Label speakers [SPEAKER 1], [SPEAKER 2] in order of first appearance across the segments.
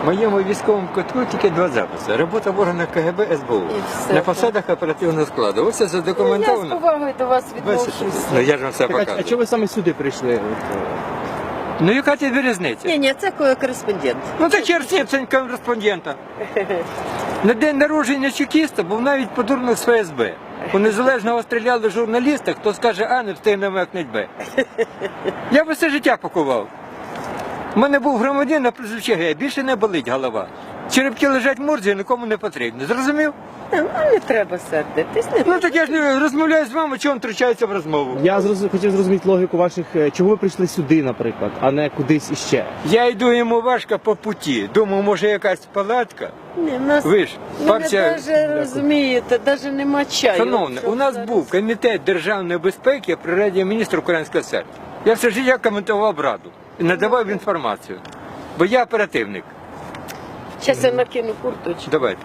[SPEAKER 1] В моєму військовому кутку тільки 2 записи. Робота в органах КГБ, СБУ.
[SPEAKER 2] все,
[SPEAKER 1] На
[SPEAKER 2] так.
[SPEAKER 1] посадах оперативного складу. Ось це
[SPEAKER 2] Я з
[SPEAKER 1] задокументовано.
[SPEAKER 2] повагою до вас
[SPEAKER 1] Бачите?
[SPEAKER 2] відношусь.
[SPEAKER 1] Ну я ж вам все
[SPEAKER 3] Так, а
[SPEAKER 1] показую.
[SPEAKER 3] чого ви саме сюди прийшли?
[SPEAKER 1] Ну яка тобі різниця?
[SPEAKER 2] Ні, це кореспондент.
[SPEAKER 1] Ну так черсні, це кореспондента. На день народження чекіста був навіть подурник з ФСБ. У Незалежного стріляли журналіста, хто скаже А, не встигне мекнуть Б. Я би все життя пакував. У мене був громадянин на прізвище Г, більше не болить голова. Черепки лежать в морзі, нікому не потрібно. Зрозумів?
[SPEAKER 2] Не треба сердитись.
[SPEAKER 1] Ну так я ж не розмовляю з вами, чого він втручається в розмову.
[SPEAKER 3] Я хотів зрозуміти логіку ваших, чого ви прийшли сюди, наприклад, а не кудись іще.
[SPEAKER 1] Я йду йому важко по путі. Думаю, може якась палатка.
[SPEAKER 2] Ні, у нас,
[SPEAKER 1] Ви ж, партія...
[SPEAKER 2] навіть розумієте, навіть нема чаю.
[SPEAKER 1] Шановне,
[SPEAKER 2] Щоб
[SPEAKER 1] у нас
[SPEAKER 2] зараз-
[SPEAKER 1] був комітет державної безпеки при Раді міністрів Українського СР. Я все життя коментував Раду і надавав інформацію. Бо я оперативник.
[SPEAKER 2] Щас я накину курточку.
[SPEAKER 1] Давайте.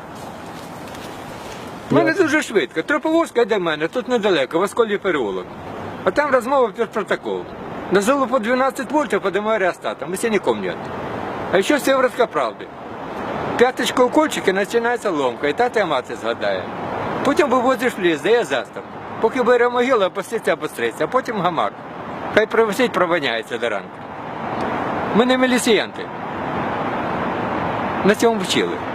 [SPEAKER 1] У мене дуже швидко. Троповозка йде до мене, тут недалеко, в Осколі переулок. А там розмова під протокол. Назвали по 12 вольтів, подимаю реостатом, если не помнят. А ще Сєвєродська правди. П'яточка у кольчики, починається ломка, і тата і мати згадає. Потім вивозиш в ліс, дає застав. Поки бере могилу, опуститься, обостриться, а потім гамак. Хай провисить, провоняється до ранку. Ми не міліціянти. На цьому вчили.